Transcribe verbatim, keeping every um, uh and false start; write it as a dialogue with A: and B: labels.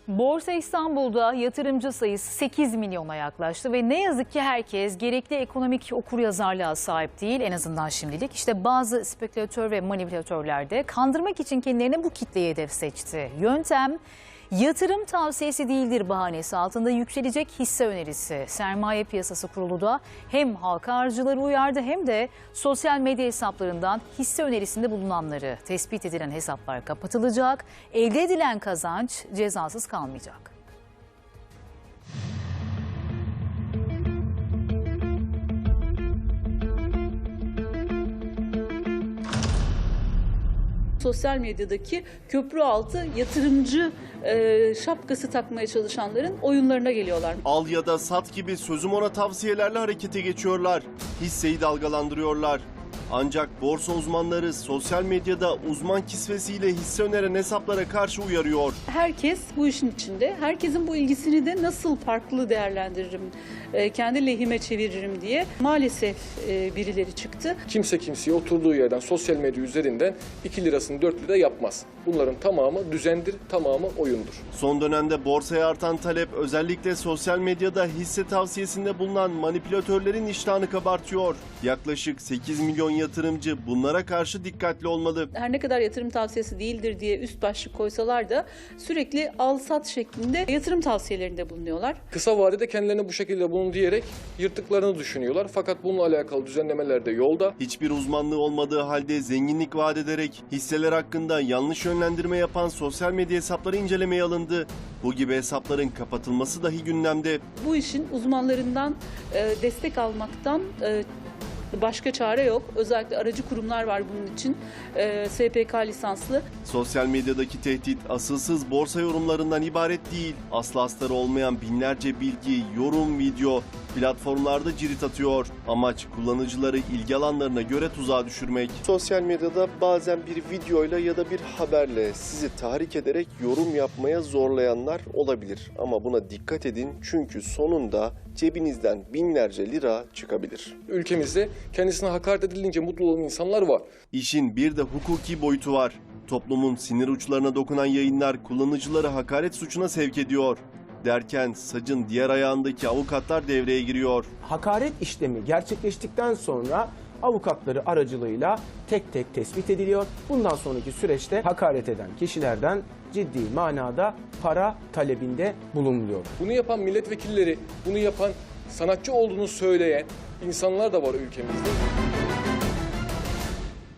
A: Borsa İstanbul'da yatırımcı sayısı sekiz milyona yaklaştı ve ne yazık ki herkes gerekli ekonomik okuryazarlığa sahip değil, en azından şimdilik. İşte bazı spekülatör ve manipülatörler de kandırmak için kendilerine bu kitleyi hedef seçti. Yöntem yatırım tavsiyesi değildir bahanesi altında yükselecek hisse önerisi. Sermaye Piyasası Kurulu da hem halka arzcıları uyardı hem de sosyal medya hesaplarından hisse önerisinde bulunanları. Tespit edilen hesaplar kapatılacak, elde edilen kazanç cezasız kalmayacak.
B: Sosyal medyadaki köprü altı yatırımcı e, şapkası takmaya çalışanların oyunlarına geliyorlar.
C: Al ya da sat gibi sözüm ona tavsiyelerle harekete geçiyorlar. Hisseyi dalgalandırıyorlar. Ancak borsa uzmanları sosyal medyada uzman kisvesiyle hisse öneren hesaplara karşı uyarıyor.
B: Herkes bu işin içinde. Herkesin bu ilgisini de nasıl farklı değerlendiririm, e, kendi lehime çeviririm diye maalesef e, birileri çıktı.
D: Kimse kimseye oturduğu yerden sosyal medya üzerinden iki lirasını dört lira yapmaz. Bunların tamamı düzendir, tamamı oyundur.
C: Son dönemde borsaya artan talep özellikle sosyal medyada hisse tavsiyesinde bulunan manipülatörlerin iştahını kabartıyor. Yaklaşık sekiz milyon yatırımcı bunlara karşı dikkatli olmalı.
B: Her ne kadar yatırım tavsiyesi değildir diye üst başlık koysalar da sürekli al sat şeklinde yatırım tavsiyelerinde bulunuyorlar.
D: Kısa vadede kendilerine bu şekilde bulun diyerek yırttıklarını düşünüyorlar. Fakat bununla alakalı düzenlemeler de yolda.
C: Hiçbir uzmanlığı olmadığı halde zenginlik vaat ederek hisseler hakkında yanlış yönlendirme yapan sosyal medya hesapları incelemeye alındı. Bu gibi hesapların kapatılması dahi gündemde.
B: Bu işin uzmanlarından e, destek almaktan e, başka çare yok. Özellikle aracı kurumlar var bunun için. E, S P K lisanslı.
C: Sosyal medyadaki tehdit asılsız borsa yorumlarından ibaret değil. Aslı astarı olmayan binlerce bilgi, yorum, video platformlarda cirit atıyor. Amaç kullanıcıları ilgi alanlarına göre tuzağa düşürmek. Sosyal medyada bazen bir videoyla ya da bir haberle sizi tahrik ederek yorum yapmaya zorlayanlar olabilir. Ama buna dikkat edin çünkü sonunda cebinizden binlerce lira çıkabilir.
D: Ülkemizde kendisine hakaret edilince mutlu olan insanlar var.
C: İşin bir de hukuki boyutu var. Toplumun sinir uçlarına dokunan yayınlar kullanıcıları hakaret suçuna sevk ediyor. Derken sacın diğer ayağındaki avukatlar devreye giriyor.
E: Hakaret işlemi gerçekleştikten sonra avukatları aracılığıyla tek tek tespit ediliyor. Bundan sonraki süreçte hakaret eden kişilerden ciddi manada para talebinde bulunuluyor.
D: Bunu yapan milletvekilleri, bunu yapan sanatçı olduğunu söyleyen insanlar da var ülkemizde.